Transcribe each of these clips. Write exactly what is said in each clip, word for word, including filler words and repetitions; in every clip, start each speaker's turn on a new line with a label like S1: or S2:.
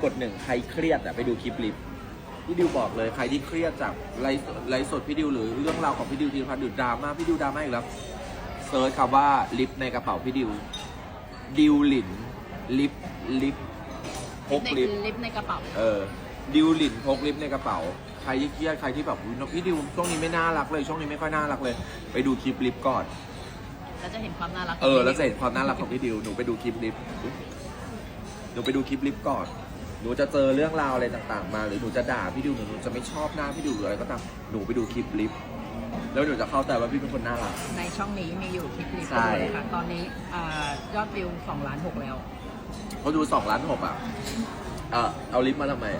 S1: กดหนึ่งใครเครียดอะไปดูคลิปลิฟพี่ดิวบอกเลยใครที่เครียดจากไลฟ์ไลฟ์สดพี่ดิวหรือเรื่องราวของพี่ดิวทีพัฒน์หรือดราม่าพี่ดิวดราม่าอีกแล้วเซิร์ชคำว่าลิฟในกระเป๋าพี่ดิวดิวหลินลิฟลิฟพกลิฟ
S2: ลิฟในกระเป๋า
S1: เออดิวหลินพกลิฟในกระเป๋าใครที่เครียดใครที่แบบพี่ดิวช่วงนี้ไม่น่ารักเลยช่วงนี้ไม่ค่อยน่ารักเลยไปดูคลิปลิฟก่อน
S2: แล้วจะเห็นความน่ารัก
S1: เออแล้วจะเห็นความน่ารักของพี่ดิวหนูไปดูคลิปลิฟหนูไปดูคลิปลิฟก่อนหนูจะเจอเรื่องราวอะไรต่างๆมาหรือหนูจะด่าพี่ดิวหรือหนูจะไม่ชอบหน้าพี่ดิวหรืออะไรก็ตามหนูไปดูคลิปลิฟแล้วหนูจะเข้าใจว่าพี่เป็นคนน่ารัก
S2: ในช่องนี้มีอยู่คลิปลิฟเลยค่ะตอนนี้ยอดวิวสองล้านหกแล้ว
S1: เขาดูสองล้านหกอ่ะเออเอาลิฟมาทำไม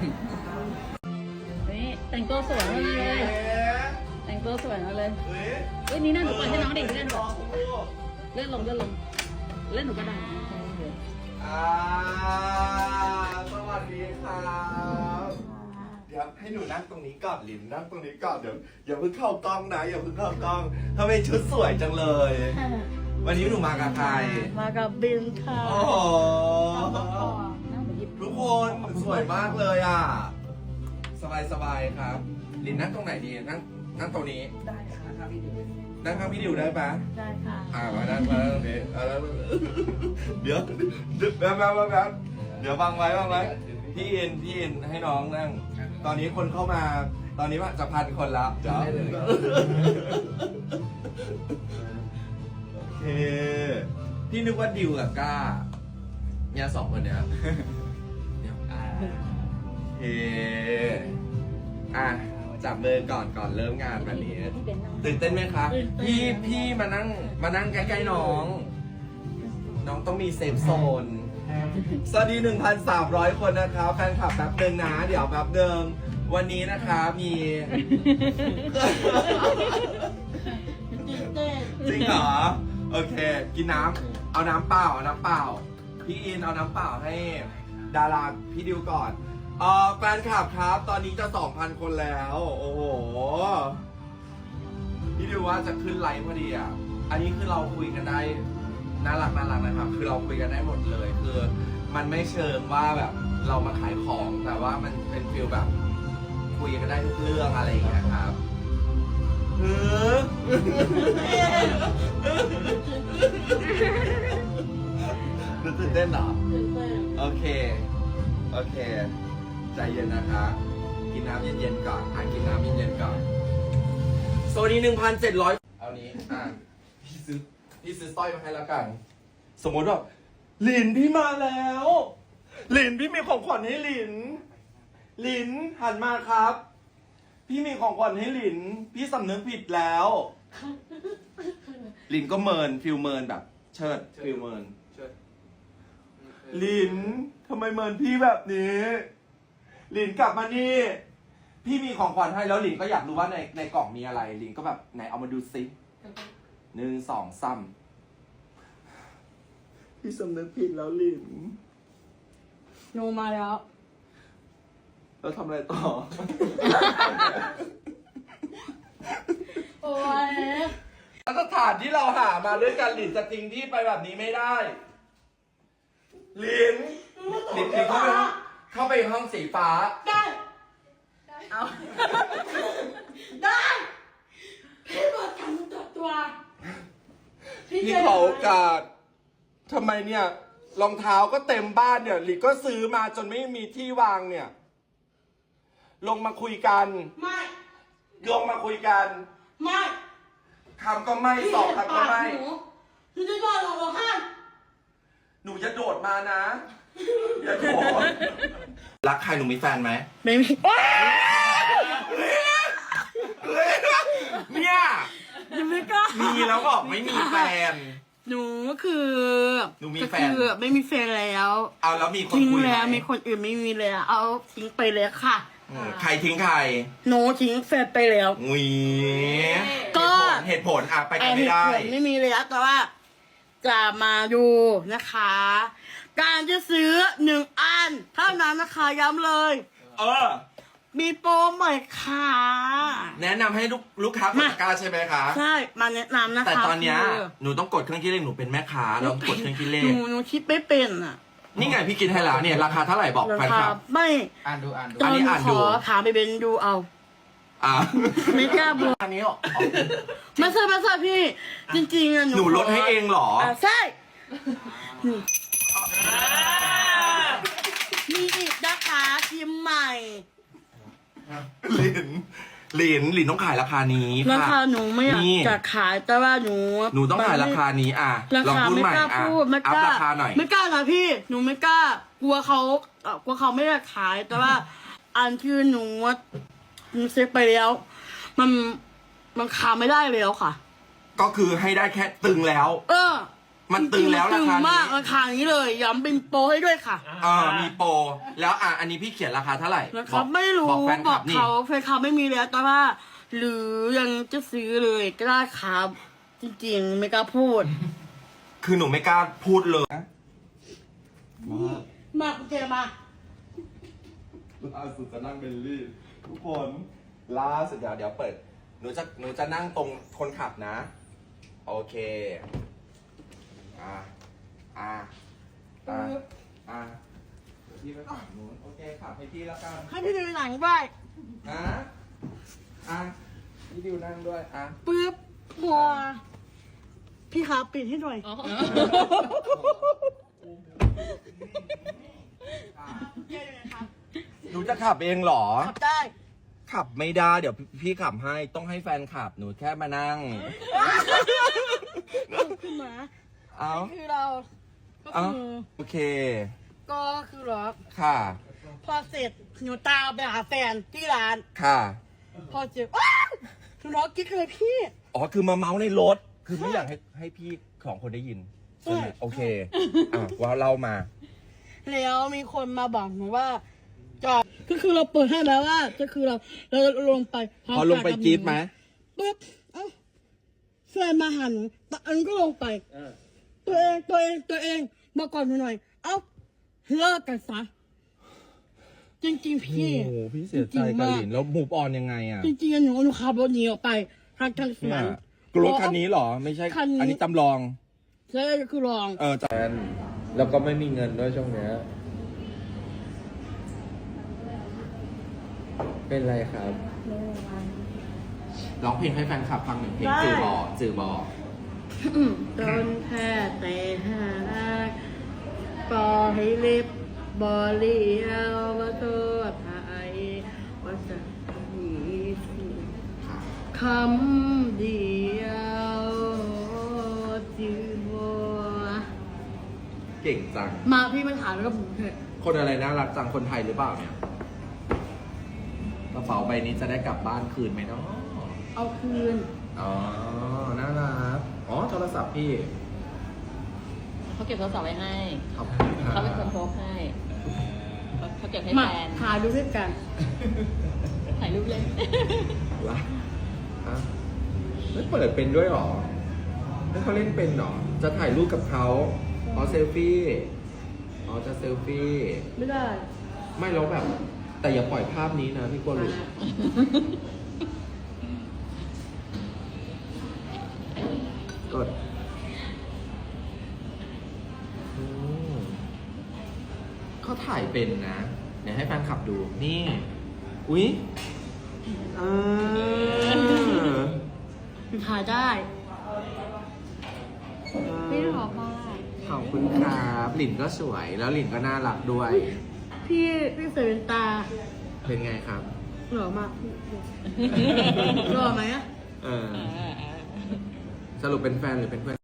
S2: นี่แต่งตัวสวยมากเลยแต่งตัวสวยมากเลยเฮ้ยนี่น่าหนูปล่อยให้น้องเด็กเล่นก่อนเล่นลงเล่นลงเล่นหนูก็ดัง
S3: อ่าสวัสดีครับเดี๋ยวให้หนูนั่งตรงนี้ก่อนลินนั่งตรงนี้ก่อนเดี๋ยวอย่าเพิ่งเข้ากล้องนะอย่าเพิ่งเข้ากล้องทำไมชุดสวยจังเลยวันนี้หนูมากับใคร
S2: มากับบินค่ะ
S3: โอ้โหทุกคนสวยมากเลยอ่ะสบายสบายครับลินนั่งตรงไหนดีนั่งนั่งตรงนี้
S2: ได้ค่ะพี่ดิว
S3: นั่งข้างพี่ดิวได้ปะ
S2: ได้ค่ะ
S3: อ่ามานั่งมานั่งตรงนี้เดี๋ยวเดี๋ยวแบบแบบแบบเดี๋ยวบังไว้บังไว้พี่อินพี่อินให้น้องนั่งตอนนี้คนเข้ามาตอนนี้ว่าจะพันคนแล้วเดี๋ยวโอเคพี่นึกว่าดิวกับก้าเนี่ยสองคนเนี้ยเออ่ะจับมือก่อนก่อนเริ่มงานแบบนี้ตื่นเต้นไหมคะพี่พี่มานั่งมานั่งใกล้ๆน้องน้องต้องมีเซฟโซนสวัสดี หนึ่งพันสามร้อย คนนะครับแฟนคลับแป๊บเดิมนะเดี๋ยวแป๊บเดิมวันนี้นะคะมีจริงเหรอโอเคกินน้ำเอาน้ำเปล่าเอาน้ำเปล่าพี่อินเอาน้ำเปล่าให้ดาราพี่ดิวก่อนเออแฟนคลับครับตอนนี้จะ สองพัน คนแล้วโอ้โหพี่ดิวว่าจะขึ้นไลฟ์พอดีอ่ะอันนี้คือเราคุยกันได้น่ารักน่ารักนะครับคือเราคุยกันได้หมดเลยคือมันไม่เชิงว่าแบบเรามาขายของแต่ว่ามันเป็นฟีลแบบคุยกันได้ทุกเรื่องอะไรอย่างเงี้ยครับเออตื่นเต้นเหรอโอเคโอเคใจเย็นนะคะกินน้ำเย็นๆก่อนอ่ะกินน้ำเย็นๆก่อนโซนี้ หนึ่งพันเจ็ดร้อย เอานี้อ่ะพี่ซื้อพี่ซื้อสร้อยมาให้แล้วกันสมมติว่าหลินพี่มาแล้วหลินพี่มีของขวัญให้หลินหลินหันมาครับพี่มีของขวัญให้หลินพี่สำนึกผิดแล้วหลินก็เมินฟิลเมินแบบเชิดฟิลเมินหลินทำไมเมินพี่แบบนี้หลินกลับมานี่พี่มีของขวัญให้แล้วหลินก็อยากรู้ว่าในในกล่องมีอะไรหลินก็แบบไหนเอามาดูซิหนึ่งสองซ้ำพี่สำนึกผิดแล้วหลิน
S2: โนมาแล้ว
S3: แล้วทำอะไรต่อ
S2: โอ้ย
S3: มาตรฐานที่เราหามาด้วยกันหลินจะทิ้งที่ไปแบบนี้ไม่ได้หลินหลินเข้าไปเข้าไปห้องสีฟ้า
S2: ได้เอาได้พี่เปิดการตัวตัว
S3: พี่ขอโอกาสทำไมเนี่ยรองเท้าก็เต็มบ้านเนี่ยหลินก็ซื้อมาจนไม่มีที่วางเนี่ยลงมาคุยกัน
S2: ไม่
S3: ลงมาคุยกัน
S2: ไม่
S3: คำก็ไม่สอบคำก็ไม่
S2: หนูจะโดดลงหรอคะ
S3: หนูจะโดดมานะอย่าโดดรักใครหนูมีแฟนไหม
S2: ไม่มี
S3: เนี่ย
S2: ยังไม่กล้า
S3: มีแล้วบอกไม่มีแฟน
S2: หนูคือ
S3: หนูมีแฟน
S2: ไม่มีแฟนแล้ว
S3: เอาแล้วมีคน
S2: ทิ้ง
S3: คุย
S2: แล้วมีคนอื่นไม่มีเลยเอาทิ้งไปเลยค่ะ
S3: ใครทิ้งใคร
S2: หนูทิ้งแฟนไปแล้ว
S3: อุ้ย
S2: ก็
S3: เหตุผลอ่ะไปกันไม่ได้
S2: ไม่มีเลยแต่ว่าจะมาดูนะคะ การจะซื้อหนึ่งอันเท่านั้นนะคะย้ำเลย
S3: เออ
S2: มีโปรใหม่ค่ะ
S3: แนะนำให้ลูกลูกค้ากดตะกร้าใช่ไหมคะ
S2: ใช่มาแนะนำนะคะ
S3: แต่ตอนเนี้ยหนูต้องกดเครื่องคิดเลขหนูเป็นแม่ค้าแล้วกดเครื่องคิดเลข
S2: หนูหนูคิดไม่เป็นอ่ะ
S3: หนี่ไงพี่กินให้แล้วเนี่ยราคาเท่าไหร่บอก
S4: รา
S3: แฟน
S4: คา
S3: คลับ
S4: ไม่
S1: อ่านดูอ่านดู
S4: ต
S3: อั
S4: อน น
S3: นี้
S4: หนู
S3: อ่าน
S4: ข
S3: ดู
S4: อถามไปเป็นดูเอา
S3: อ่ะ
S4: ไม่กล้าบอก
S1: อันนี้เหรอ
S4: ไม่ใช่ไม่ใช่พี่ จริงๆอะหนู
S3: หนูลดให้เองเหรอ
S4: อ่ะใช่นี่มีอีกนะคะชิมใหม่
S3: หลินหลินหลินต้องขายราคานี้
S4: รา
S3: ค่ะ
S4: คาหนูไม่อยาก
S3: นี่
S4: จะขายแต่ว่าหนู
S3: หนูต้องขายราคานี้อ่ะ
S4: รา
S3: ลอง
S4: คา
S3: พูด
S4: ไม่
S3: ใหม่
S4: กล้า
S3: อ่ะ
S4: พูดไม่
S3: อั
S4: ก
S3: พ
S4: ล้า
S3: ราคาหน่อย
S4: ไม่กล้านะพี่ หนูไม่กล้ากลัวเขาเอ่อกลัวเขาไม่ได้ขายแต่ว่า อันที่หนูหนูเซ็ตไปแล้ว มันมันขายไม่ได้แล้วค่ะ
S3: ก็คือให้ได้แค่ตึงแล้ว
S4: เออ
S3: มันตึงแล้ว
S4: จ
S3: รา
S4: ๆ
S3: คา
S4: ตึงมาก
S3: นี้
S4: ราคานี้เลยย้ำเป็นโปรให้ด้วยค่ะ
S3: เออมีโปรแล้วอ่ะอันนี้พี่เขียนราคาเท่าไหร่
S4: นะค
S3: บ
S4: รั
S3: อบ ก
S4: ไม่รู้
S3: บอกแฟน
S4: บ
S3: ค
S4: อ
S3: ลั
S4: ก
S3: บนี่
S4: เขาแฟนเขาไม่มีแล้วแต่ว่า หรือยังจะซื้อเลยก็ได้ครับ จริงๆ ไม่กล้าพูด
S3: คือหนูไม่กล้าพูดเลย
S4: มาโอเคมา
S3: ล่าสุดจะนั่งเบลลี่ทุกคนล่าสุดเดี๋ยวเดี๋ยวเปิดหนูจะหนูจะนั่งตรงคนขับนะ โอเคอ่ะอ่ะอ่ะอ่ะเดี๋ยวพี่ไปฝั่งนู้นโอเคขับให้พี่แล้วกัน
S4: ให้พี่ดูหนังด้วย
S3: นะอ่ะพี่ดิวนั่งด้วยอ่ะ
S4: ปึ๊บหัวพี่ครับปิดให้หน่อย
S2: อ๋อ
S3: หนูจะขับเองเหรอ
S4: ขับได้
S3: ขับไม่ได้เดี๋ยวพี่ขับให้ต้องให้แฟนขับหนูแค่มานั่ง
S4: ขึ้นมา
S3: เอา
S4: คือเรา ก็
S3: เอา
S4: คือ
S3: โอเค
S4: ก็คือหรอ
S3: ค่ะ
S4: พอเสร็จหนูตามไปหาแฟนที่ร้าน
S3: ค่ะ
S4: พอเจ็บอ้าวหนูร้องกิ๊กเลยพี่
S3: อ๋อคือมาเมาในรถ คือไม่อยากให้ให้พี่ของคนได้ยินใช่ไหม
S4: ใช่
S3: โอเคอ่ะว่าเล่ามา
S4: แล้วมีคนมาบอกหนูว่าจอดก็คือเราเปิดให้แล้วว่าก็คือเราเราลงไป
S3: พอลงไปจี๊ดไหม
S4: ปุ๊บเอ้าแฟนมาหาหนูตอนนั้นก็ลงไปตัวเองตัวเองตัวเองมาก่อนหนูหน่อย เอ้าเลิกกันซะจริงๆ
S3: โอ้
S4: พี่
S3: โหพี่เสียใจกับหลินแล้วมูฟออนยังไงอ่ะ
S4: จริงๆหนูหนูขับรถหนีออกไปทางทางส
S3: เนี่
S4: วน
S3: ยกรถคันนี้เหรอ ไม่ใช่
S4: คันนี้
S3: อันนี้จำลอง
S4: ใช่ก็คือลอง
S3: เออจ
S1: แล้วก็ไม่มีเงินด้วยช่วงเนี้ยเป็นไรครับ
S3: ร้องเพลงให้แฟนคลับฟังหนึ่งเพลงจือบอจือบอ
S4: ต้นแพ้แต่หากปล่อยให้เล็บบอเลียวว่าโทษไทยว่าจะมีสิ่งคำเดียวจือบัว
S3: เก่งจัง
S4: มาพี่มาถามแล้วก็ผมเถอะ
S3: คนอะไรน่ารักจังคนไทยหรือเปล่าเนี่ยกระเป๋าใบนี้จะได้กลับบ้านคืนไหมเนาะ
S4: เอาคืน
S3: อ๋อ น่ารัก อ๋อ โทรศัพท์พี่
S2: เขาเก็บโทรศัพท์ไว้ให้
S3: ขอบคุณรับ
S2: เขาเป็นคนโพสให้เขาเขาเก็บให้
S4: มา
S2: แฟน
S4: ถ่ายดูด้วยกัน
S2: ถ่ายรูปเล่น
S3: วะฮะไม่เปิดเป็นด้วยเหรอให้เขาเล่นเป็นเหรอ จะถ่ายรูปกับเขาอ๋อเซลฟี่ อ๋อ จะเซลฟี่
S4: ไม่ได้
S3: ไม่แล้วแบบ แต่อย่าปล่อยภาพนี้นะพี่กลัวหลุดกดอืมเขาถ่ายเป็นนะ เดี๋ยวให้แฟนขับดู นี่ อุ๊ยเออ
S4: ถ่ายได้
S2: ไม่หรอกมาก
S3: ขอบคุณครับหลินก็สวย แล้วหลินก็น่ารักด้วย
S4: พี่พี่เสวนตา
S3: เป็นไงครับ
S4: หล่อมากหล่อไหมอะ
S3: เออ สรุปเป็นแฟนหรือเป็นเพื่อน